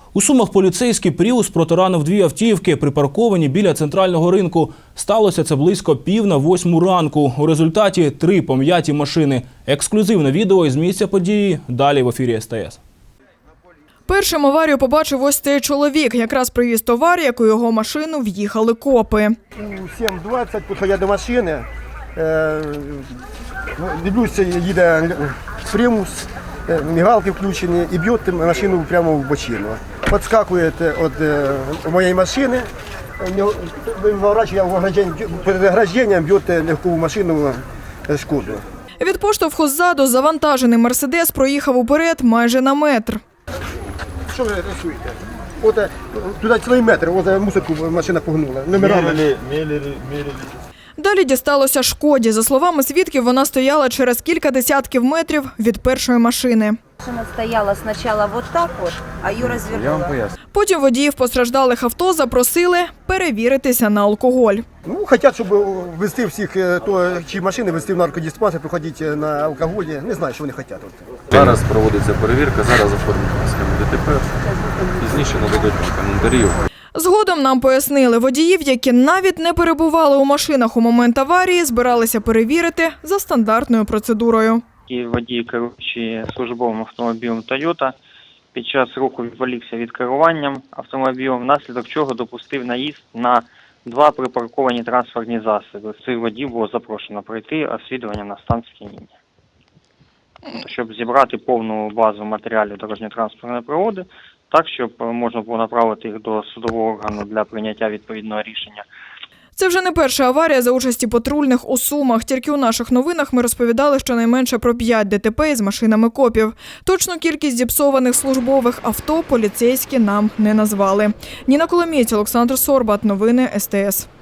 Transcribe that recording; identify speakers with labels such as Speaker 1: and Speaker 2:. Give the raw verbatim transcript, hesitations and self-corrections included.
Speaker 1: У Сумах поліцейський «Пріус» протаранив дві автівки, припарковані біля центрального ринку. Сталося це близько пів на восьму ранку. У результаті три пом'яті машини. Ексклюзивне відео із місця події. Далі в ефірі ес те ес.
Speaker 2: Першим аварію побачив ось цей чоловік. Якраз привіз товар, як у його машину в'їхали копи.
Speaker 3: У сім двадцять підходя до машини, е, дивлюся, їде «Прімус», мигалки включені і б'є машину прямо в бочину. Підскакує від моєї машини, виворачує перед огражденням, б'є легкову машину «Шкоду».
Speaker 2: Від поштовху ззаду завантажений «Мерседес» проїхав уперед майже на метр.
Speaker 3: Що ви рисуєте? От туди цілий метр, от мусорку машина погнула. Номерами.
Speaker 2: Далі дісталося «Шкоді». За словами свідків, вона стояла через кілька десятків метрів від першої машини.
Speaker 4: Машина стояла спочатку вот так вот, а її розвернула.
Speaker 2: Потім водіїв постраждалих авто запросили перевіритися на алкоголь.
Speaker 3: Ну, хочуть, щоб везти всіх, то, чи машини везти в наркодиспансер, приходити на алкоголі. Не знаю, що вони хочуть.
Speaker 5: Зараз проводиться перевірка, зараз оформлена схема де те пе. Пізніше нададуть коментарів.
Speaker 2: Згодом нам пояснили, водіїв, які навіть не перебували у машинах у момент аварії, збиралися перевірити за стандартною процедурою.
Speaker 6: І водій, керуючи службовим автомобілем «Тойота», під час руху відволікся від керування автомобілем, внаслідок чого допустив наїзд на два припарковані транспортні засоби. Цих водіїв було запрошено пройти освідування на стан сп'яніння. Щоб зібрати повну базу матеріалів дорожньо-транспортної пригоди, так, щоб можна було направити їх до судового органу для прийняття відповідного рішення.
Speaker 2: Це вже не перша аварія за участі патрульних у Сумах. Тільки у наших новинах ми розповідали щонайменше про п'ять де те пе із машинами копів. Точну кількість зіпсованих службових авто поліцейські нам не назвали. Ніна Коломієць, Олександр Сорбат. Новини ес те ес.